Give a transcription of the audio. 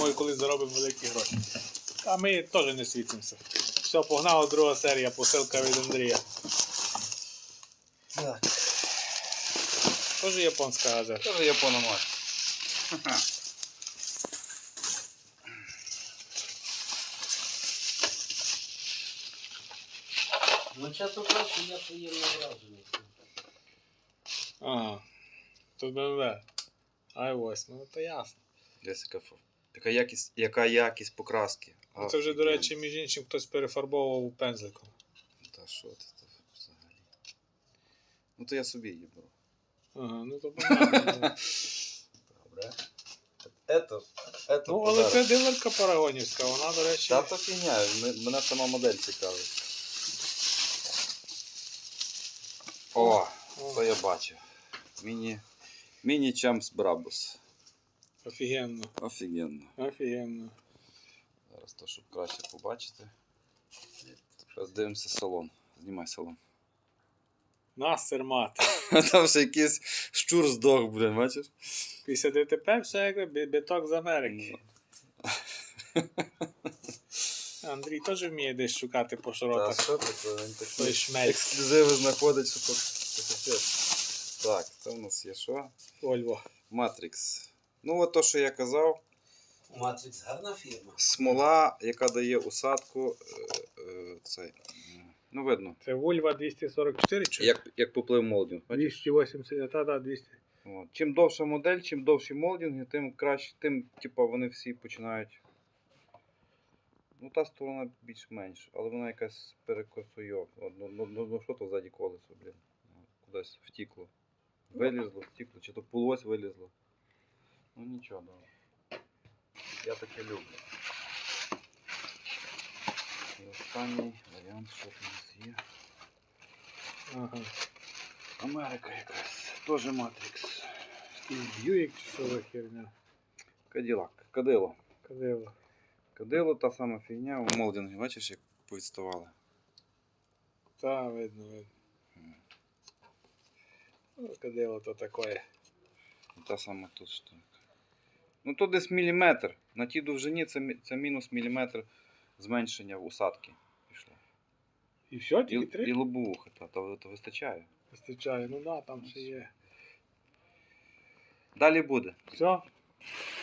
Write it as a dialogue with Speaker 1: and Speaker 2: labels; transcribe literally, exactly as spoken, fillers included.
Speaker 1: думаю, коли заробимо великі гроші. А ми теж не світимося. Все, погнала друга серія, посилка від Андрія.
Speaker 2: Так.
Speaker 1: Теж японська газета.
Speaker 2: Тоже япономат.
Speaker 3: Ну, чесно кажучи, я приємно вражений.
Speaker 1: Ага. Тут Б М В. ай восьмеро, ну то ясно.
Speaker 2: Десь яка, така якість, яка якість покраски.
Speaker 1: А це вже, до речі, між іншим хтось перефарбовував пензликом.
Speaker 2: Та що ти то взагалі? Ну то я собі її беру.
Speaker 1: Ага, ну то понятно.
Speaker 2: Добре. Ето, ето
Speaker 1: Ну, але це дилерка парагонівська, вона, до речі...
Speaker 2: Та то фігня, мене сама модель цікавить. О,
Speaker 1: О.
Speaker 2: то я бачив. Міні, міні Чампс Брабус.
Speaker 1: Офігенно.
Speaker 2: Офігенно.
Speaker 1: Офігенно.
Speaker 2: Зараз то, щоб краще побачити. Зараз дивимося салон. Знімай салон.
Speaker 1: Настер мати.
Speaker 2: Там ще якийсь щур здох, блин, бачиш?
Speaker 1: Після Д Т П все як бі- біток з Америки. Андрій теж вміє десь шукати по
Speaker 2: Та
Speaker 1: широтах.
Speaker 2: що таке? Він такі
Speaker 1: Той шмель.
Speaker 2: ексклюзиви знаходить, що то це капець. Так, це в нас є що?
Speaker 1: Вольво.
Speaker 2: Матрикс. Ну от то, що я казав.
Speaker 3: Матрикс гарна фірма.
Speaker 2: Смола, яка дає усадку. Е, е, цей, ну видно.
Speaker 1: Це Вольва двісті сорок чотири чи?
Speaker 2: Як, як поплив молдинг. бачиш?
Speaker 1: двісті вісімдесят, та, та, двісті.
Speaker 2: От. Чим довша модель, чим довші молдинги, тим краще, тим типу, вони всі починають. Ну та сторона більш-менш, але вона якась перекосує. Ну, ну, ну, ну що то ззаді колесо, блін. Кудись втікло. Вилізло, втікло, чи то полось вилізло. Ну нічого, добре. Я таке люблю. І останній варіант, що тут у нас є.
Speaker 1: Ага.
Speaker 2: Америка якась. Теж Матрикс.
Speaker 1: І Бьюік чи що за херня?
Speaker 2: Каділак. Кадило.
Speaker 1: Кадило.
Speaker 2: Кадило та сама фігня у молдингі. Бачиш, як повідставали.
Speaker 1: Та, видно, видно. Ну, кадило то таке.
Speaker 2: Та сама тут штука. Ну тут десь міліметр. На тій довжині це, мі- це мінус міліметр зменшення в усадки пішло.
Speaker 1: І все,
Speaker 2: І,
Speaker 1: тільки три?
Speaker 2: і лобовуха, та, то, то вистачає.
Speaker 1: Вистачає, ну да, там ще є.
Speaker 2: Далі буде.
Speaker 1: Все?